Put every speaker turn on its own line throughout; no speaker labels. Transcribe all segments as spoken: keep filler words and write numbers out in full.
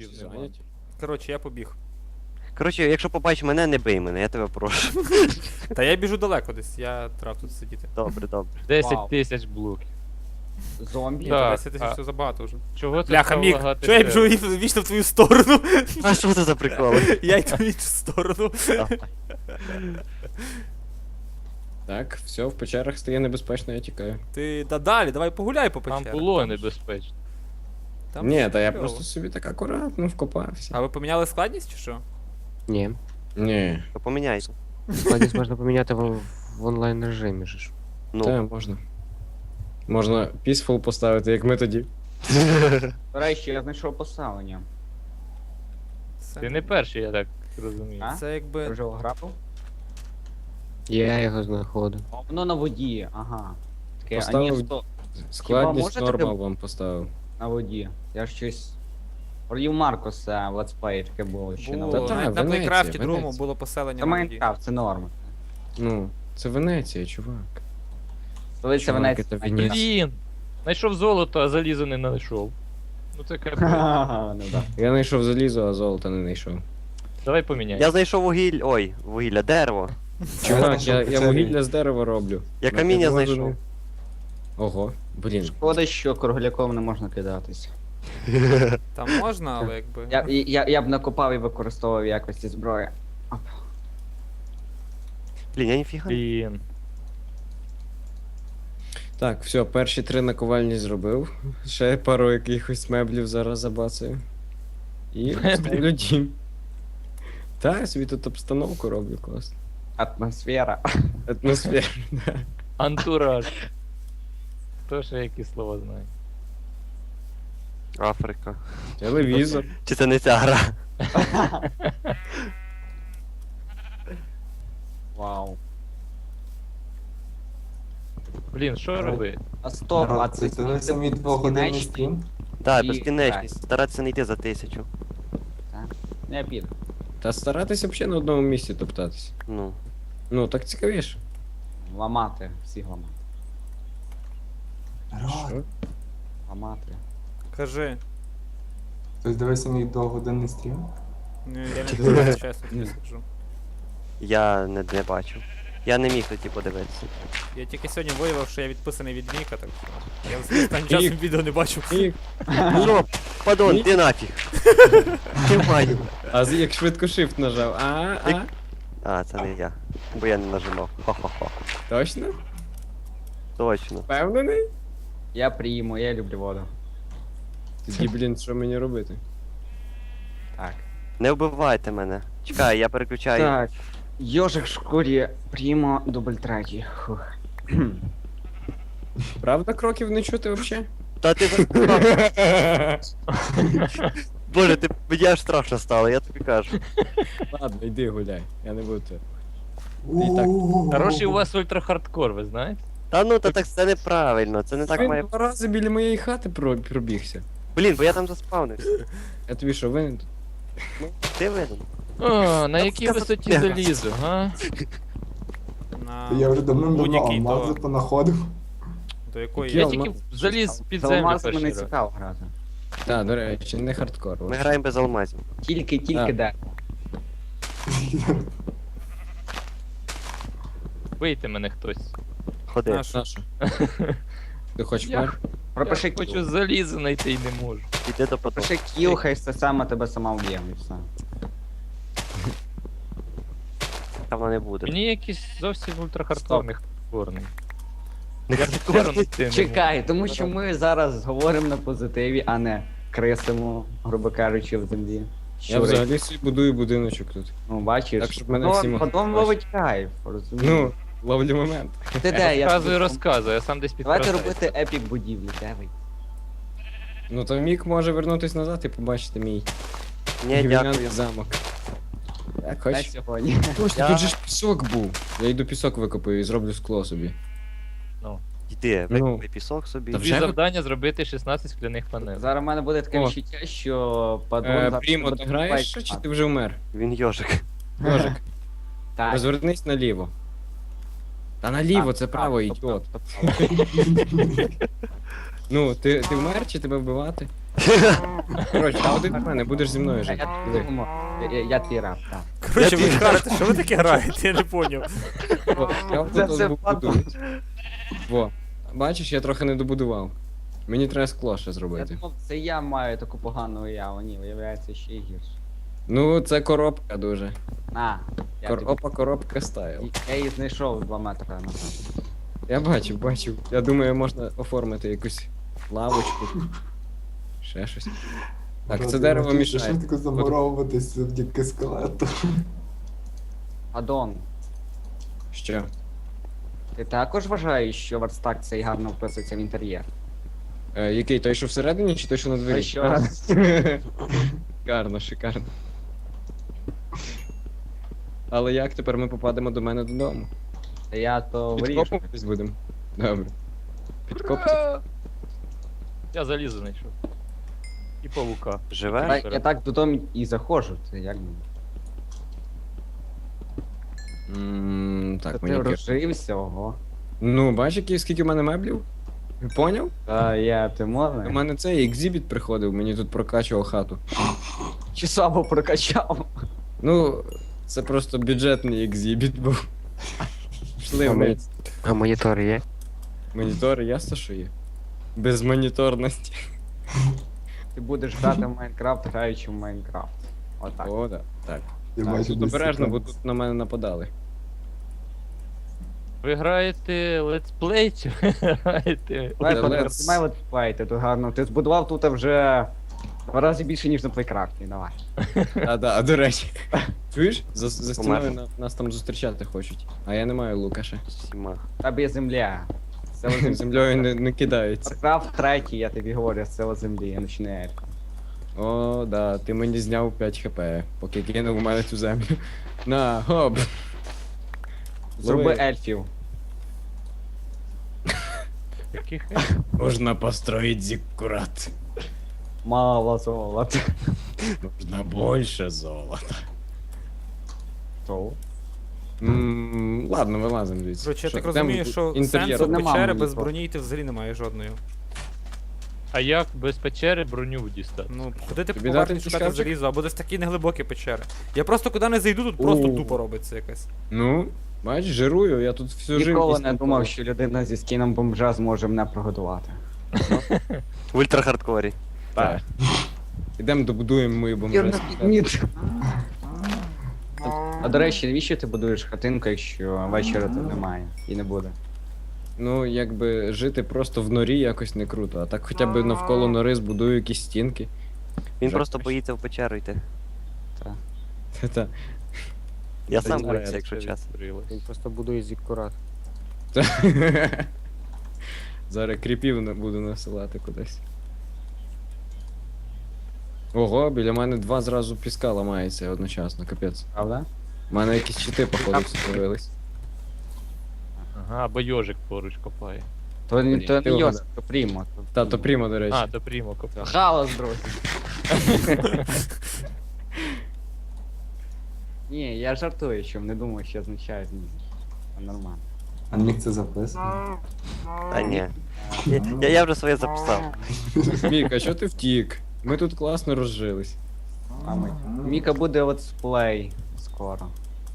блоків
Всі
нема.
зайняті?
Коротше, я побіг.
Коротше, якщо побачиш мене, не бий мене, я тебе прошу.
Та я біжу далеко десь, я трав тут сидіти.
Добре, добре.
десять
Вау.
тисяч блоків.
Зомбі?
Ні,
Так,
то десять тисяч
а-
це забагато вже.
Чого це
Бляха,
стало
Мік,
лагати
чого я
сервер?
біжу і- вічно в твою сторону?
А що це за приколи?
Я йду в іншу сторону.
Так, все, в печерах стає небезпечно, я тікаю.
Ти та далі, давай погуляй по
Там
печерах.
було
ж-
небезпечно.
там
Ні,
ж
та я
кльово.
просто собі так акуратно вкопався.
А ви поміняли складність чи що?
Ні.
Ні,
То поміняйся.
Складність можна поміняти в, в онлайн режимі ж.
Ну.
та можна. Можна peaceful поставити, як ми тоді.
До речі, я знайшов поставлення.
Це,
Ти не перший, я так розумію.
А?
це
Ти
якби.
вже ограбив?
Я його знаходив.
О, воно на воді, ага. Таке, а
Поставив-
ні, стоп,
Складність
може
норма
таке-
вам поставив.
на воді. Я ж щось... Провів Маркоса в летсплеї таке було ще на
Було.
Та-та,
воді.
Навіть на
Венеція,
Плейкрафті другому
Венеція.
було поселення
Це
на воді.
Майнкрафт, це норма.
Ну, це Венеція, чувак.
Столиця
Чувак,
Венеції.
це Венеція.
Блін! Знайшов золото, а залізо не знайшов. Ну це капець.
Ха-ха, ну да.
Я знайшов залізо, а золота не знайшов.
Давай поміняємо.
Я знайшов вугіль. Ой, вугілля, дерево.
Чувак, я, я вугілля з дерева роблю.
Я
На
каміння
підводу
знайшов.
не- Ого, блін.
Шкода, що кругляком не можна кидатись.
Там можна, але якби.
Я, я, я б накопав і використовував в якості зброї.
Блін, я ніфіга. не-
Блін.
Так, все, перші три наковальні зробив. Ще пару якихось меблів зараз забацаю. І
Меблів?
ставлю дім. Та, я собі тут обстановку роблю класно.
Атмосфера.
Атмосфера, да.
Антураж. Хто ще які слова знає?
Африка.
Телевізор.
Чи це не ця гра?
Вау.
Блін, що робити?
А стоп, а
Народ,
це
це не самі двогодинний
безкінечні?
стрім.
Так,
І-
безкінечність. Старатися не йти за тисячу.
Не піду.
Та старатися взагалі на одному місці топтатися.
Ну.
Ну, так цікавіше.
Ламати, всіх ламати.
Народ,
Що?
Ламати.
Кажи.
хтось дивився мій двогодинний стрім?
Ну, я не дивлюся, чесно тобі скажу.
Я не, не бачив. Я не міг тоді подивитися.
Я тільки сьогодні виявив, що я відписаний від Міка, так що. Я взагалі останнім часом
Мік.
відео не бачу.
І...
Ну, падон, ти нафіг. Тримаю.
А з- як швидко shift нажав. А, а.
А, це не я. Бо я не нажимав. Хо-хо-хо.
Точно?
Точно.
Впевнений?
Я прийму, я люблю воду.
Тоді, блін, що мені робити?
Так.
Не вбивайте мене. Чекай, я переключаю.
Так. Йожик в шкурі, приймо, дубль третій. Фух.
Правда, кроків не чути взагалі?
Та ти за- Боже, ти мені аж страшно стало, я тобі кажу.
Ладно, йди гуляй, я не буду тебе.
Ууу.
Хороший у вас ультрахардкор, ви знаєте?
Та ну, та так це неправильно, це не так
Він
має.
два рази біля моєї хати про- пробігся.
Блін, бо я там заспавнився.
Я тобі що, винен тут?
Ну, ти винен.
О, на якій
це
висоті
таке?
залізу, га?
На...
Я вже давно-давно
будь-який,
алмази
то-
понаходив.
До якої
Я
Я
я
тільки
алмаз.
заліз під
З
землю
алмазами
перший
не
раз.
цікаво грати.
Так, до речі, не хардкор.
Ми
от.
граємо без алмазів.
Тільки, тільки
А.
де.
Бийте мене хтось.
Ходи.
Наш.
Саша. Ти хочеш
Я-
пар?
Пропиши
Я хочу
кіл.
залізо знайти і не можу.
Іди до потоку.
Пропиши кіл, хай це саме тебе сама вб'є, і все.
Там вона не буде.
Мені якийсь зовсім ультрахардкорний хардкорний.
Не
Я
хардкорний.
хардкорний ти не можу.
Чекай, тому що ми зараз говоримо на позитиві, а не крисимо, грубо кажучи, в землі.
Я
Щури.
взагалі собі будую будиночок тут.
Ну, бачиш,
Так, щоб мене
ну,
всі могли
потім
бачити.
ловить кайф, розумієш?
Ну, ловлю момент.
ти де? Я
Розказую,
тобі-
розказую, я сам десь
Давайте
підкрасаю.
робити епік будівлі, де ви?
Ну то Мік може вернутись назад і побачити мій
Ні,
гівняний
дякую.
замок. Як
На
хочеш?
сьогодні.
Точно,
Я-
тут же ж пісок був. Я йду пісок викопаю і зроблю скло собі.
Йди,
Ну.
викупи пісок собі.
Та
Тобі
вже ви-
завдання зробити шістнадцять скляних панелей.
Зараз в мене буде таке
О.
відчуття, що падон...
Е,
зараз
Прімо,
буде
ти граєш
лайк
ще, чи
мати.
ти вже вмер?
Він йожик.
Ножик,
Так.
розвернись наліво. Та наліво,
Так,
це
так,
право,
стоп,
ідіот.
стоп, стоп, стоп.
Ну, ти, ти вмер чи тебе вбивати? Коротше, а один в мене, будеш зі мною
Я,
жити.
я, думаю, я, я, я твій раб, так.
Коротше, ви граєте, що ви таке граєте? Я не поняв.
О, я
Це
тут
все
буду. Во. Бачиш, я трохи не добудував. Мені треба скло ще
Я
зробити.
думав, це я маю таку погану уяву, ні, виявляється ще й гірше.
Ну, це коробка дуже.
На, я,
Кор...
тобі-
Опа, коробка стайл.
я її знайшов два метри назад.
Я бачив, бачив. Я думаю, можна оформити якусь лавочку. Ще щось. Так, це дерево мішає.
Швидко замуровуватись завдяки скелету.
Адон,
Що?
ти також вважаєш, що верстак цей гарно вписується в інтер'єр?
Е, який? Той, що всередині, чи той, що на двері?
Той, що-
Шикарно, шикарно. Але як тепер ми попадемо до мене додому?
Та я то вирішу.
Підкопуватись будемо? Добре. Підкопувати?
Я залізо знайшов. І павука.
Живе?
Та Я так додому і заходжу, це як би.
М,
Та
Так,
ти
мені кер-
розжився, ого.
Ну, бачиш, які- скільки в мене меблів? Поняв?
Та я, ти
У
можеш?
мене цей екзибіт приходив, мені тут прокачував хату.
Чи сабо прокачав?
Ну, це просто бюджетний екзибіт був. Пішли в мене.
А монітор є?
Монітори, ясно, що є. Без моніторності.
Ти будеш грати в Майнкрафт, граючи в Майнкрафт. Отак.
О, да. Так.
Я
Так,
бачу,
тут
десь
обережно, бо
там.
тут на мене нападали.
Ви граєте летсплей чи ви граєте?
Давай,
Let's-
Федор, знімай летсплейти, тут гарно. Ти збудував тут вже два рази більше, ніж на плейкрафті, давай.
А, да, а до речі. Чуєш? За, за стіною
Помер.
на- нас там зустрічати хочуть. А я не маю лука ще.
Всіма.
Тебе є земля. Сила землі.
Землею не, не кидається.
Warcraft третій, я тобі говорю, сила землі, а не ельф.
О, да, ти мені зняв п'ять хп, поки кинув у мене цю землю. На, хоп.
Зроби
Лови.
ельфів.
Яких?
Можна построїть зіккурат.
Мало золота.
Можна більше золота.
То.
М, Ладно, вилазимо звідси.
Коротше, я
Що,
так розумію,
йдемо
що
інтер'єр.
сенсу
Тут нема
печери без
монітора.
броні йти взагалі немає жодної.
А як без печери броню дістати?
Ну, куди ти
Тобі
повернеш
дати
шукати
шкафчик?
залізо, або десь такі неглибокі печери. Я просто куди не зайду, тут просто
О.
тупо робиться якась.
Ну, бачиш, жирую, я тут всю жив.
Ніколи
після
не
того.
думав, що людина зі скіном бомжа зможе мене прогодувати.
В ультрахардкорі.
Так. Ідемо добудуємо мою бомбу.
Ні. А до речі, навіщо ти будуєш хатинку, якщо вечора тут немає і не буде?
Ну, якби жити просто в норі якось не круто, а так хоча б навколо нори збудую якісь стінки.
Він
Вже
просто
краще.
боїться в печеру йти.
Та-та.
Я
Та
сам
ні,
боюся,
це
якщо чесно.
Він просто будує зіккурат.
Та. Зараз кріпів на- буду насилати кудись. Ого, біля мене два зразу піска ламається одночасно, капець.
Правда?
У мене якісь щити, походу, з'явились.
Ага, або йожик поруч копає.
То, не- то
Ти
не
угадав.
Йосип, то Прімо. то-
Та, то прямо, до речі.
А, до прімо копає.
Галас, друзі. Ні, я жартую, що не думаю, що означає зміст. Це нормально.
А міг це записано?
Та ні. Я, я, я вже своє записав.
Міка, що ти втік? Ми тут класно розжились.
А ми... Міка буде летсплей скоро.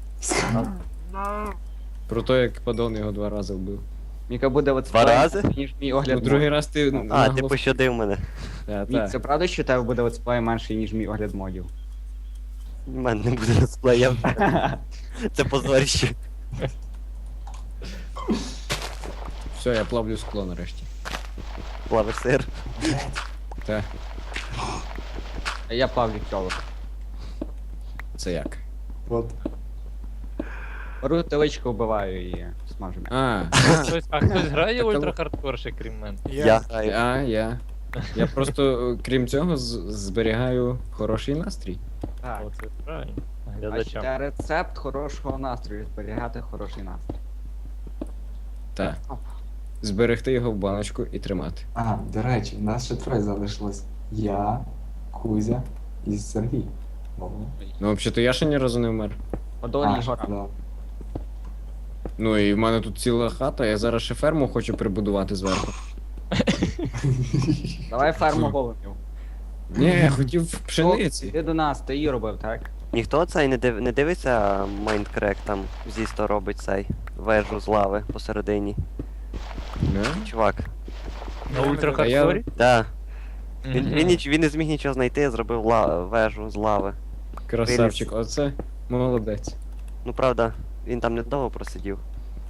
Про те, як падон його два рази вбив.
Міка буде летсплей,
Два рази?
ніж мій
Ну,
огляд
другий
модів.
раз ти.
А, ти
наголос-
пощадив мене.
Та,
Мік,
та.
це правда, що у тебе буде летсплей менший, ніж мій огляд модів?
У мене не буде летсплея. Це позорище.
Все, я плавлю скло нарешті.
Плавиш сир.
Та,
А я Павлік Кьолок.
це як?
От.
Беру теличку, вбиваю і смажу.
А,
Хтось, а хтось грає в
Так,
ультрахардкор ще крім мене?
Я.
а, я. Я просто, е, крім цього, з- зберігаю хороший настрій.
Так.
О, це правильно.
Бачите,
Глядачам.
рецепт хорошого настрою, зберігати хороший настрій.
Так. Зберегти його в баночку і тримати.
А, до речі, в нас ще троє залишилось. Я, Кузя і Сергій. О.
Ну, взагалі, я ще ні разу не вмер.
Подолі
А,
гора.
да.
Ну і в мене тут ціла хата, я зараз ще ферму хочу прибудувати зверху.
Давай ферму голубів.
Ні, я хотів пшениці.
Ти до нас, ти її робив, так?
Ніхто цей не, див... не дивиться Майндкрек, там Зісто робить цей вежу з лави посередині.
Да?
Чувак.
На
А я-
ультрахардкорі?
Да. Він,
Мгм.
він, ніч... він не зміг нічого знайти, зробив ла... вежу з лави.
Красавчик, оце молодець.
Ну правда, він там недовго просидів.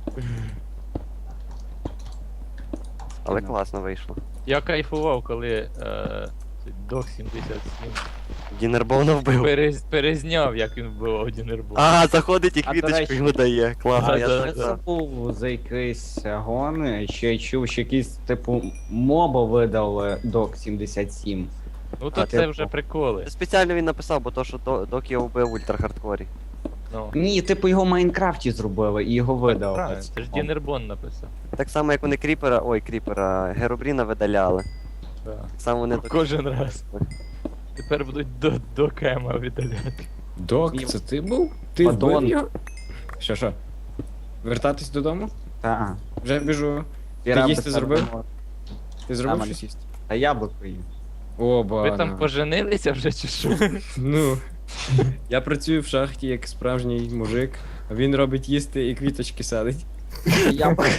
Але класно вийшло.
Я кайфував, коли е, цей Док сімдесят сім
Дінербона вбив.
перез, перезняв, як він вбивав Дінербол.
А, заходить і
А, до
квіточку
речі-
йому дає. Класно,
А,
я
да,
так
да.
Це
за.
був за якийсь гон, що я чув, що якийсь, типу, моба видав Док сімдесят сім.
Ну то
А,
це
типу.
вже приколи.
Спеціально він написав, бо то, що До- Док його вбив в ультрахардкорі.
Ну,
Ні, типу його в Майнкрафті зробили і його видав.
правильно, це ж Дінербон написав.
Так само, як вони кріпера, ой, кріпера, Геробріна видаляли.
Да.
Так само вони Док-
Кожен раз. Тепер будуть до, до Кема видаляти.
Док, це ти був? Ти
Падон.
вбив його? Що, що? Вертатись додому?
Та,
Вже біжу.
ти
Ти
раби
їсти зробив?
сам-
Ти зробив
Та,
щось їсти?
Та яблуко їм.
О,
Ви
бана.
там поженилися вже чи що?
Ну. Я працюю в шахті як справжній мужик, а він робить їсти і квіточки садить.
Яблуко.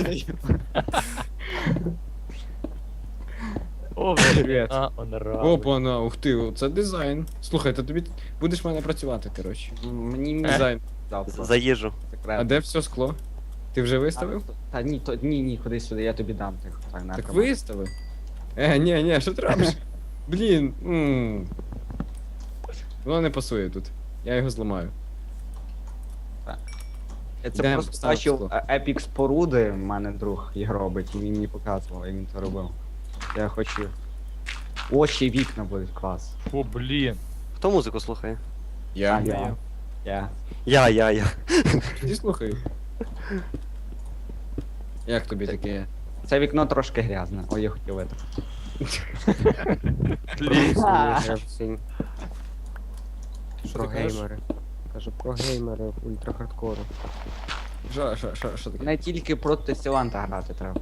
О,
Привіт.
а, он рад.
Опа, на, ух ти, це дизайн. Слухай, то тобі будеш в мене працювати, коротше.
Мені мій
Дизайн.
дав
За-
просто
за їжу.
А
секрет.
де все скло? Ти вже виставив?
Та ні, то ні, ні, ходи сюди, я тобі дам тих. Так, на,
Так
тримай.
виставив. Е, ні, ні, що ти робиш? Блін. м. Воно не пасує тут. Я його зламаю.
Я це
Йдемо,
просто
став
бачив
скло.
е, епік споруди, в мене друг їх робить, і він мені показував, як він це робив. Я хочу. Очі і вікна будуть клас.
О, блін.
Хто музику слухає?
Я.
Я. Я.
Я, я, я.
Ти слухай. Як тобі таке?
Це вікно трошки грязне. Ой, я хотів витрати.
Всі
Що
про
ти кажеш?
геймери. Кажу про геймери ультрахардкору.
Що, що, що, що таке?
Не тільки проти Сіланта грати треба.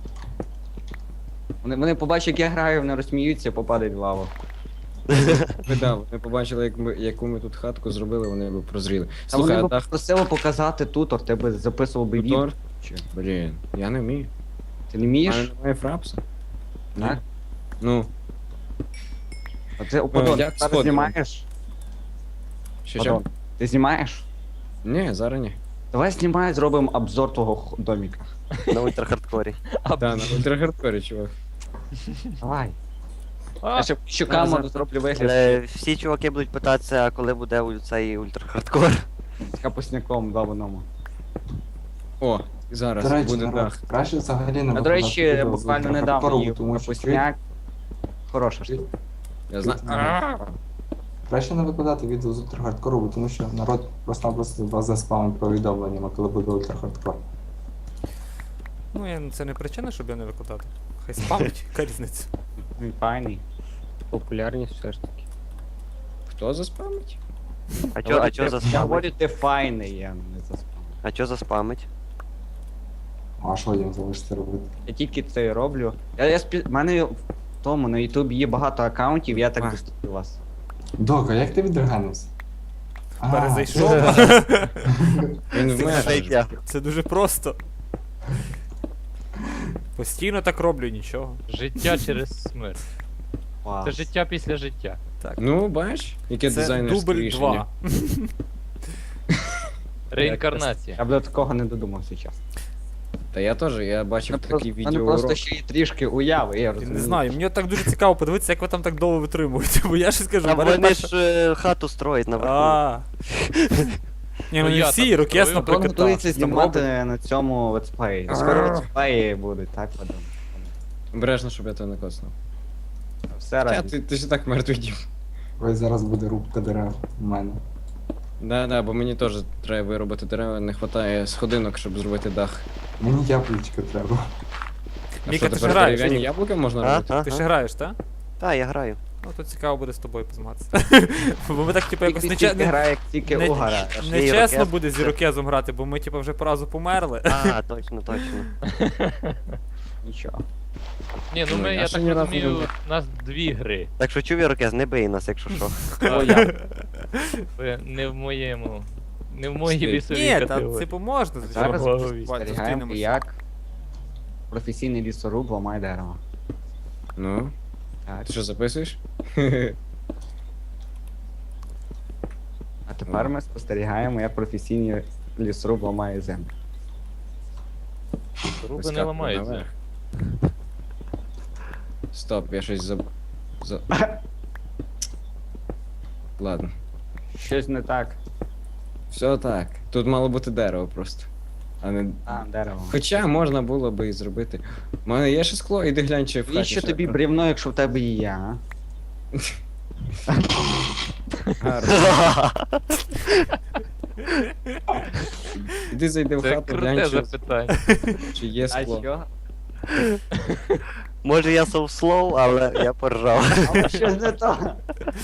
Вони, вони побачать, як я граю, вони розсміються, попадають в лаву.
Видав, ми побачили, як ми, яку ми тут хатку зробили, вони б прозріли.
Та
Слухай,
вони
а
б
дах
просили показати тутор, ти би записував би відео.
тутор?
Чи?
Блін, я не вмію.
Ти не
У мене
вмієш?
немає фрапса. Ні.
Так?
Ну,
А ти Опадон,
як
ти зараз
сходимо?
знімаєш?
що
Опадон,
що?
ти знімаєш?
Ні, зараз ні.
Давай знімай, зробимо обзор твого х- доміка.
На ультрахардкорі.
Та, на ультрахардкорі, чувак.
Давай.
А,
Я ще що
зараз-
камеру зроблю вигляд
Але всі чуваки будуть питатися, коли буде у- цей ультрахардкор.
з капусняком два в одному.
О, зараз
До речі,
буде
народ,
дах.
краще взагалі не
А до
викладати
речі,
відео з
буквально
ультрахардкору,
недавно їв
тому що
капусняк. Хороша штука.
Я знаю.
краще не викладати відео з ультрахардкору, бо тому що народ просто-напросто вас заспамить повідомленнями, коли буде ультрахардкор.
Ну, я, це не причина, щоб я не викладати. Хай спамить, яка різниця.
Він файний.
Популярність все ж таки.
Хто заспамить?
А чо, а чо
Я
заспамить?
говорю, ти файний, я не заспамив.
А чо заспамить?
А що їм залишиться робити?
Я тільки це і роблю. Я, я спі... В мене в тому на Ютубі є багато аккаунтів, я так
А.
доступив вас.
Дока, як ти відреганився? А,
Перезайшов.
Він вмер.
Це я.
Це дуже просто. Постійно так роблю, нічого.
життя через смерть.
Клас.
Це життя після життя.
Ну, бачиш, яке
Це
дизайнерське
дубль
рішення.
два.
Реінкарнація.
Я б до такого не додумався чесно.
Та я теж, я бачив
Ну,
такі
У мене
відео.
просто ще є трішки уяви, я
Я
розумію.
не знаю, мені так дуже цікаво подивитися, як ви там так довго витримуєте, бо я щось кажу,
А
в мене
вони
перша-
ж е, хату строять наверху.
А. Ні, ну
Ну,
не
я
всі,
там
Рокес,
строю.
наприклад,
Він готується
так.
знімати на цьому летсплеї. Скоро летсплеї будуть, так, Вадим?
Обережно, щоб я тебе не коснув.
Все
Та,
разом.
ти, ти ж і так мертвий дім.
Ось зараз буде рубка дерев у мене.
Да, да, бо мені теж треба виробити дерева, не вистачає сходинок, щоб зробити дах.
Мені яблучко треба.
А
Міка,
що,
ти ж
тепер
граєш,
дерев'яні
ні?
яблука можна
А,
робити?
а,
Ти
а.
ще граєш, так?
Та, я граю.
Ну то цікаво буде з тобою позматися. Бо ми так, типу, якось
Тільки
нече-
стільки
не,
грає, як тільки
не-
угара.
нечесно
Ірокез.
буде з Ірокезом грати, бо ми, типу, вже по разу померли.
А, точно, точно.
Нічого.
Ні, ну
Ну,
ми,
я
я
ще
так
ні разу не
розумію,
був.
у нас дві гри.
Так що чув, Ірокез, не бий нас, якщо що.
О, я.
Ви не в моєму. Не в моїй
Стиль.
лісовій
Ні, та
категорії.
типу можна,
Зараз
звичайно.
Богові.
спостерігаємо,
Зустрінемося.
як професійний лісоруб ламає дерево.
Ну,
Так.
ти що записуєш?
А тепер ми спостерігаємо, як професійний лісоруб ламає землю.
Руби не
Вискакує
ламаються.
наверх. Стоп, я щось заб... за... Ладно.
Щось не так.
Все так. Тут мало бути дерево просто. А не.
А, дерево.
Хоча можна було би і зробити. У мене є ще скло, іди глянь, чи в хаті.
Навіщо
ще-
тобі брівно, якщо в тебе є, а?
Гарно. Іди зайди в
Це
хату,
круте
глянь, чи,
запитання.
чи є
А
скло.
що?
Може я so slow, але я поржав.
А щось не то.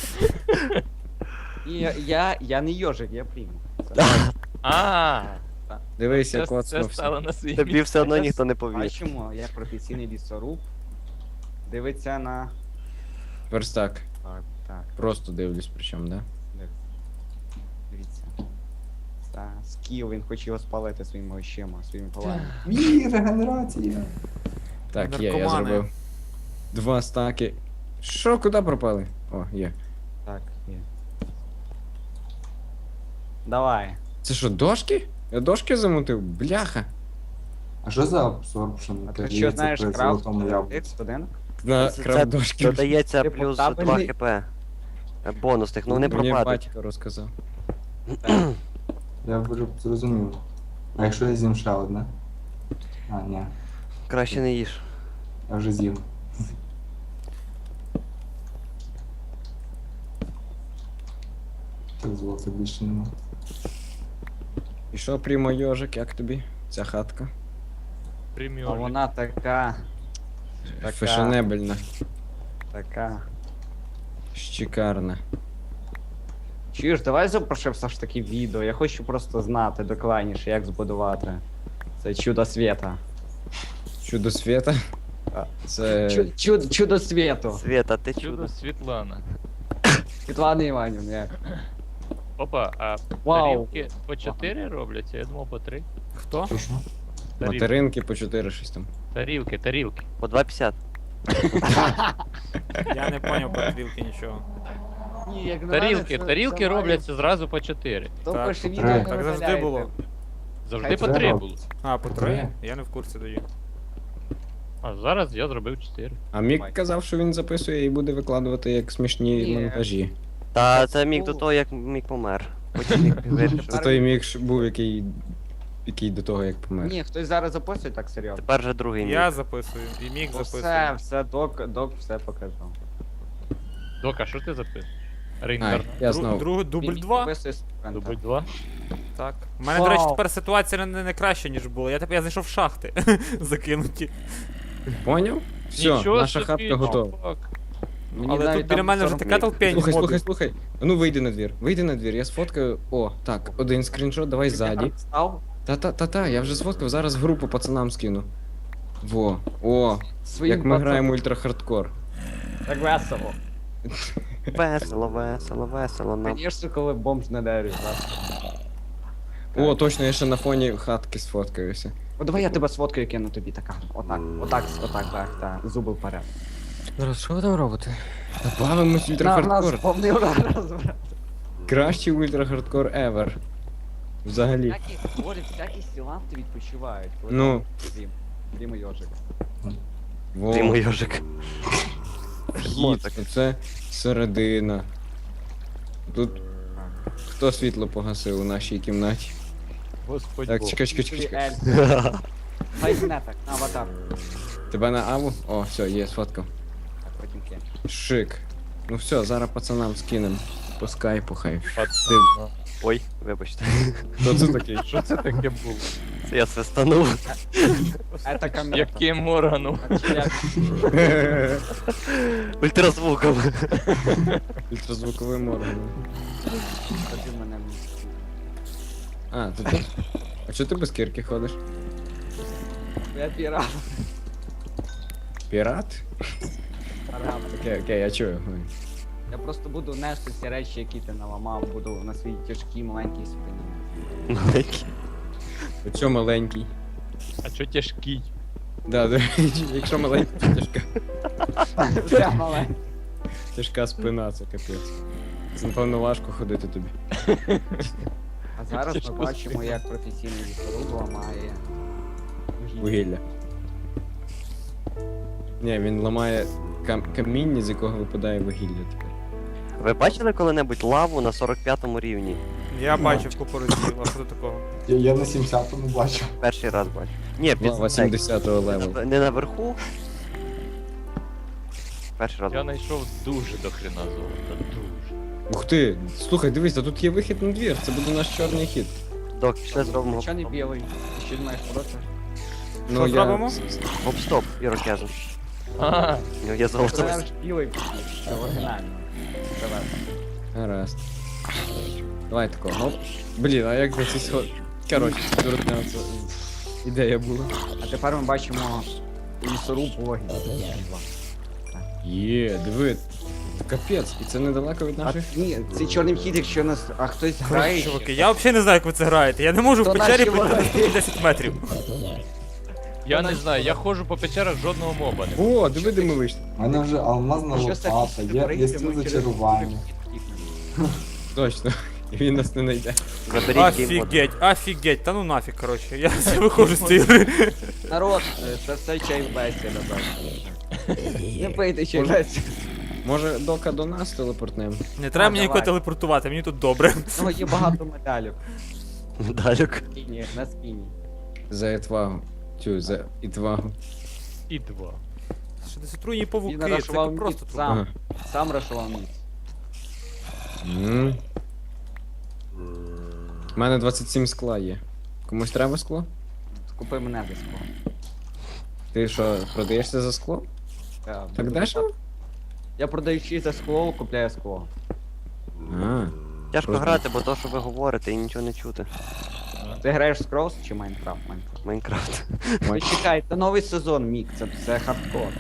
Ні, Я, я, я не йожик, я прийму.
А,
Дивись,
це,
як
це
оцнувся.
стало на свій
Тобі
місце.
все одно ніхто не
А
повірить.
чому? Я професійний лісоруб. Дивиться на.
Верстак.
Так, так,
Просто дивлюсь, причому, да?
дивіться. Це скіл, він хоче його спалити своїми очима, своїми палами.
Мій, регенерація.
Так, є, я
Наркомани.
зробив. Два стаки. Що, куди пропали? О, є.
Так, є. Давай.
Це що, дошки? Я дошки замутив? Бляха.
А що за абсорбшн?
А ти що знаєш
при
крафт?
золотому яблуці?
Будинок?
На
Це-
крав дошки.
Додається
Типу,
плюс два
табельний-
хп. Е, Бонусних, ну вони
Мені
пропадуть.
батько розказав.
Я вже зрозумів. А якщо я з'їм ще одне? А, ні,
Краще не їж.
я вже з'їв. Так золота більше нема.
І що, прямо йожик, як тобі? Ця хатка?
А
Преміор.
вона така. Така.
Фешенебельна,
Така.
шикарна.
Чуєш, давай запрошив все ж таки відео. Я хочу просто знати докладніше, як збудувати це чудо світа.
Чудо світа.
А.
Це.
Чу- чудо, чудо світу.
Света, ти
Чудо
чудо.
Світлана.
Світлана Іванівна. як?
Опа, а
Вау.
тарілки по чотири робляться? Я думав по три.
Хто?
Точно?
Тарілки,
Материнки по чотири щось там.
тарілки, тарілки.
По два п'ятдесят.
Я не поняв про стрілки нічого.
Ні, як на
Тарілки,
мене, це-
тарілки
це має-
робляться зразу по чотири.
То
Так,
перше
по
відео
три.
не
Так завжди
видаляйте.
було.
Завжди
Хай
по
це
три
робиться.
було.
А, по
Три.
три? Я не в курсі тоді.
А зараз я зробив чотири.
А Мік
Давай.
казав, що він записує і буде викладувати як смішні
Ні.
монтажі.
Та
Так
це міг до
було.
того, як міг помер. Потім міг вирішив.
Це той Мік ж був, який. який до того, як помер.
Ні, хтось зараз записує так серйозно.
Тепер вже другий міг.
Я записую, і міг
Ну, Все,
записує.
все, док, док все показав.
Дока, що ти записуєш?
А,
Рейнкарна.
я
Дру-
знову.
Другий дубль
Він
два?
записує секвента.
Дубль два.
Так. У мене, до речі,
Вау.
тепер ситуація не, не краща, ніж була. Я тепер я знайшов шахти закинуті.
Поняв? Все,
Нічого
наша
собі,
хатка готова.
чувак.
Мені
Але
навіть
тут біля
там
мене вже
сорок
така
міг.
толпень
Слухай, слухай,
мобів.
слухай. А ну вийди на двір. Вийди на двір, я сфоткаю. О, так, один скріншот, давай ззаді.
Став
Та-та-та-та, я вже сфоткав, зараз в групу пацанам скину. Во, о,
своїм
як ми граємо ультрахардкор.
Так весело.
Весело, весело, весело. Нам.
Звісно, коли бомж на дереві.
О, точно, я ще на фоні хатки сфоткаюся.
О, давай я тебе сфоткаю кину тобі така. Отак, отак, отак, так, так. Зуби вперед.
Зараз що ви там робите?
Бавимось в ультрахардкор.
повний удар розбрав.
Кращий ультрахардкор ever. Взагалі.
Всякі, говорять, всякі сіланти відпочивають. коли
Ну.
Дім, Дім і йожик.
Во,
Ти мой йожик.
вхід, оце середина. Тут хто світло погасив у нашій кімнаті?
Господь
Так,
Бог.
чекай, чекай, чекай, чекай.
Хай мене так, на аватар.
Тебе на аву? О, все, є, сфоткав.
Так, потім кинь.
Шик. Ну все, зараз пацанам скинем. По скайпу хай.
Пацан.
Ой, вибачте.
Хто це такий?
Що це таке було?
Це я свистанув.
Це камера.
Яким органом?
А чи як?
Ультразвуком.
Ультразвуковим органом.
Тоді мене.
А, ти тут? А чого ти без кірки ходиш?
Я пірав.
Пірат?
Парам.
Окей, окей, я чую.
Я просто буду нести ці речі, які ти наламав, буду на своїй тяжкій маленькій спині.
Маленький.
Оцьо маленький.
А чо тяжкий?
Да, до речі, якщо маленький, то тяжка.
Все маленьке.
Тяжка спина, це капець. Це, напевно, важко ходити тобі.
А зараз
Тяжко
ми бачимо, як професійний лісоруб ламає
Вугілля. Ні, він ламає кам- каміння, з якого випадає вугілля тепер.
Ви бачили коли-небудь лаву на сорок п'ятому рівні?
Я бачив купу разів, а що до такого?
Я, я на сімдесятому бачу.
Перший раз бачу. Ні, під
Лава
так,
сімдесятого левелу.
не наверху. Перший раз.
Я знайшов дуже до хрена золота, дуже.
Ух ти, слухай, дивись, а тут є вихід на двір, це буде наш чорний хід.
Док, пішли зробимо
Нічого не білий. Ти що думаєш проти?
Що зробимо?
гоп-стоп, ірокезу.
А,
У нього є золото.
Це ж білий, це оригінально. Давай.
Гаразд. Давай такого, ну. Блін, а як на ці сход... Коротше, дурня, це ідея була.
А тепер ми бачимо лісоруб вогінь.
Є, диви. Капець, і це недалеко від
А
наших.
ні, цей чорний вхід, якщо нас. А хтось грає.
Чуваки, я взагалі не знаю, як ви це граєте. Я не можу в
То
печері
наші
пройти
вороги.
наступні десять метрів.
я не знаю, я ходжу по печерах, жодного моба не було.
О, диви, де ми вийшли.
У мене вже алмазна
Що
лопата, є, є стіл зачарування.
Точно. І він нас не знайде.
Заберіть геймбот.
Офігеть, офігеть, та ну нафіг, коротше, я все виходжу з цієї гри.
Народ, е, це все чай в бесіда, бачите. Не пийте чай в бесіда.
Може, дока до нас телепортнемо?
Не треба
А,
мені нікого
давай.
телепортувати, мені тут добре.
У нього є багато медалів.
Далек.
Спіні, на спіні.
За етвагу. Цю, за ітвагу.
І два.
Що десь отруйні павуки,
Він
це
рашував
просто
міць
труп.
сам. Сам рашував міць.
М. У мене двадцять сім скла є. Комусь треба скло?
Купи мене за скло.
Ти що, продаєшся за скло?
Я
Так
буду
дешево?
купати. Я продаючи за скло, купляю скло.
А,
Тяжко
Просто-
грати, бо то, що ви говорите, і нічого не чути.
Ти граєш в Скроус чи Майнкрафт? Майнкрафт.
Майнкрафт.
Ти чекай, це новий сезон, Мік, це все хардкор.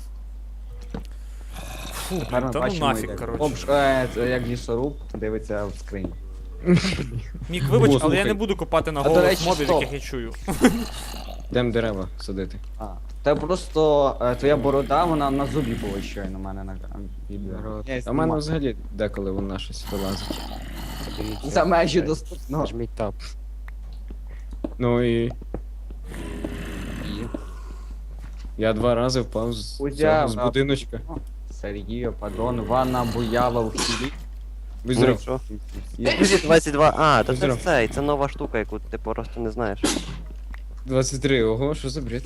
Фу,
Тепер
блін,
ми
та ну
бачимо,
нафіг,
як
коротше.
обш... е, це як лісоруб дивиться в скрині.
Мік, вибач,
О,
але я
слухай.
не буду копати на
А, до
голос
речі,
мобів,
стоп.
яких я чую.
йдемо дерева садити.
А, це просто е, твоя борода, вона на зубі була щойно у мене на на відео.
Народ.
Я
А в мене
знімав.
взагалі деколи вона щось вилазить.
Подивіться.
За межі доступно.
Нажміть тап.
Ну і. Я два рази впав з,
Кузя,
цього, з
а-
будиночка.
Сергій, Падон, Ванна буяла в хілі.
Будь здоров.
Що? двадцять два. А, то це
Здоров.
цей, це нова штука, яку ти просто не знаєш.
двадцять три, ого, що за бред?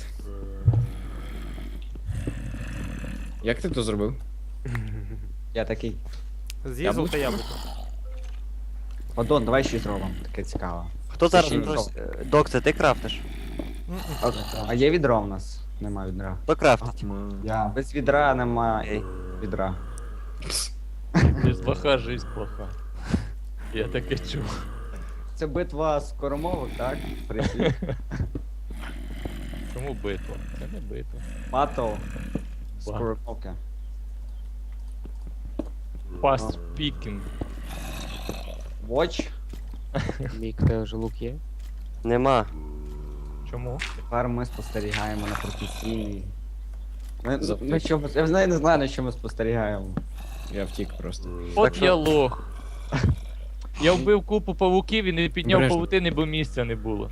Як ти то зробив?
Я такий.
З'їв золоте яблуко.
Падон, давай щось зробимо. Таке цікаво.
Хто зараз
ще й
просить? Е, Док, це ти крафтиш?
А, а є відро в нас? Нема відра.
Хто крафтить?
Я.
Без відра нема
Окей.
відра.
Без лоха жизнь плоха. Я таке чув.
Це битва скоромовок, так? Прислід.
Чому битва? Це не битва.
Батл. Скоромовки.
Fast speaking.
Watch.
Мік, тебе вже лук є?
Нема.
Чому?
Тепер ми спостерігаємо на професійній. Ми,
Завтра.
ми що, я знаю, не знаю, на що ми спостерігаємо.
Я втік просто.
От
що-
я лох. Я вбив купу павуків і не підняв
Обережно.
павутини, бо місця не було.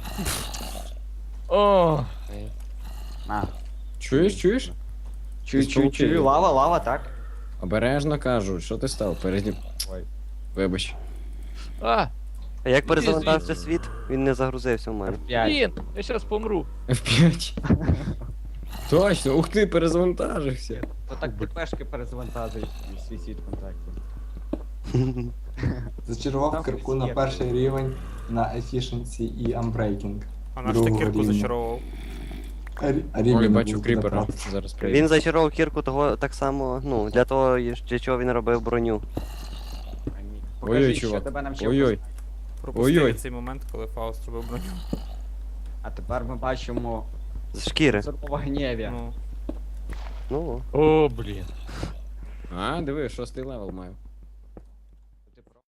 О,
Е,
На.
Чуєш, чуєш?
Чую,
Ти
чую,
спокійно.
чую, лава, лава, так?
Обережно кажу, що ти став? Перед ним.
Ой.
Вибач.
а,
А як
Іди
перезавантажився світ, він не загрузився в мене.
П'ять.
блін, я зараз помру.
еф п'ять. Точно, ух ти, перезавантажився.
То так ти пешки перезавантажують свій світ контактів.
Зачарував
Там
кирку
щось
на
є.
перший рівень на Efficiency і Unbreaking.
А наш ти
Другого
кірку
рівня.
зачаровував.
А рі- а рівень
Ой,
не
бачу
був
кріпера.
доправ.
Зараз прийде.
Він зачарував кірку того так само, ну, для того, для чого він робив броню.
Покажи,
Ой-ой,
що
чувак.
тебе навчив.
Ой-ой.
Пропустив
Ой-ой.
цей момент, коли Фауст робив броню.
А тепер ми бачимо
З шкіри.
зорова гнєві.
Ну,
Ну,
О, блін.
А, диви, шостий левел маю.